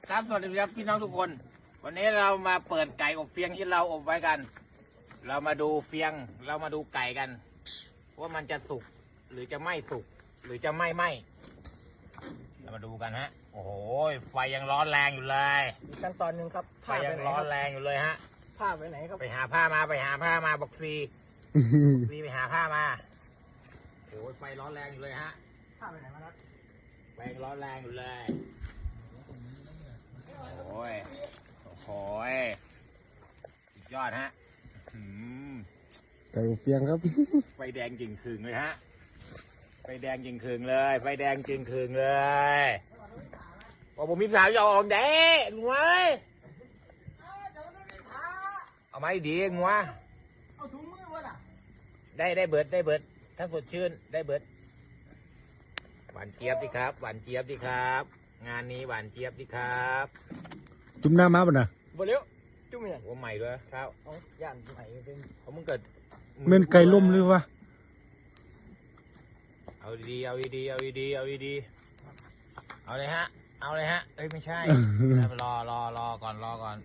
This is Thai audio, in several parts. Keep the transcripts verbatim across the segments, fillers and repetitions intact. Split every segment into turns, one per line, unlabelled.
ครับสวัสดีครับพี่น้องทุกคนวันนี้เรามาเปิดไก่อบเฟียงที่เราอบไว้กัน เรามาดูเฟียงเรามาดูไก่กันว่ามันจะสุกหรือจะไม่สุกหรือจะไม่ไหมเรามาดูกันฮะโอ้โหไฟยังร้อนแรงอยู่เลย
อีกขั้นตอนหนึ่งครับ
ไฟยังร้อนแรงอยู่เลยฮะ
ผ้าไปไหนครับ
ไปหาผ้ามาไปหาผ้ามาบอกซีซีไปหาผ้ามาโอ้ยไฟร้อนแรงอยู่เลยฮะ
ผ้าไปไหนมาครับ
ไฟยังร้อนแรงอยู่เลยโอ้ยโอ้โหสุดยอดฮะอืม
ไก่อบเฟียงครับ
ไฟแดงจริงคืงเลยฮะไฟแดงจริงคืงเลยไฟแดงจริงคืงเลย ว่าผมมีสาวจะออกเด้งวะเอาไม้ดีงวะ
เอาถุงมือวะล่ะ
ได้ได้เบิดได้เบิดถ้าสดชื่นได้เบิดหวานเจี๊ยบดิครับหวานเจี๊ยบดิครับ งานนี้หวานเจี๊ยบดิครับ
จุ่มหน้าม้าป่ะนะ
บ่เลี้ยวจุ่มเนี่ย
หัวใหม่ด้วยครับ
เอาย่านไหนเป็น
เขามึงเกิด
เม่นไก่ล่มหรือวะ
เอาดีๆเอาดีๆเอาดีๆเอาดีๆเอาเลยฮะเอาเลยฮะเอ้ยไม่ใช่รอรอรอก่อนรอก่อน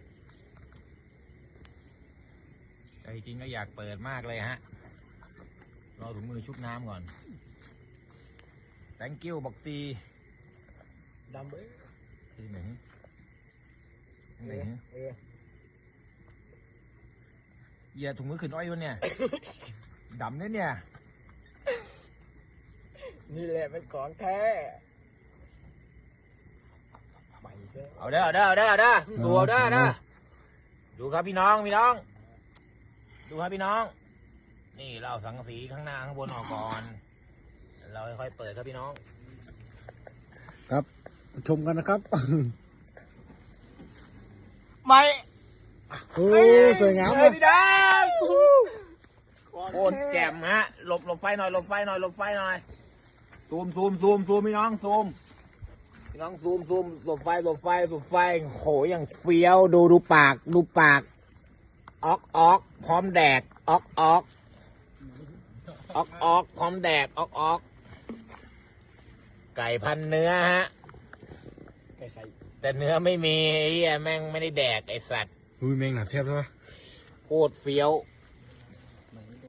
ใจจริงก็อยากเปิดมากเลยฮะรอถุงมือชุบน้ำก่อน thank you บอกซี
ดำเบ้ย
ที่หนึ่งห
เอ
นึ่ง
อเออ
เหยียดถุงมือขึ้นอ้อยวะเนี่ย ดำเนี่ยเนี่ย
นี่แหละเป็นของแท้ใหม่ใช่
เอาเด้อเอาเด้อเอาเด้อเอาเด้อสู้เอาเด้อเด้อดูครับพี่น้องพี่น้อง ดูครับพี่น้อง นี่เราสังกะสีข้างหน้าข้างบนออกก่อน เราค่อยๆเปิดครับพี่น้อง
ครับชมกันนะครับ
ไม่
โอ้สวยงาม
เล
เลย ย
พี่น้องโคตรแจ่มฮะหลบหลบไฟหน่อยหลบไฟหน่อยหลบไฟหน่อยซูมซูมซูมซูมพี่น้องซูมพี่น้องซูมซูมหลบไฟหลบไฟหลบไฟโหอย่างเฟี้ยวดูดูปากดูปากออกออกพร้อมแดกออกออกออกออกพร้อมแดกออกออกไก่พันเนื้อฮะ
ไก่ไข่
แต่เนื้อไม่มีไอ้เหี้ยแม่งไม่ได้แดกไอ้สัตว์
อุ้ยแมงหนาเทียบใช่ปะ
โคตรเฟี้ยว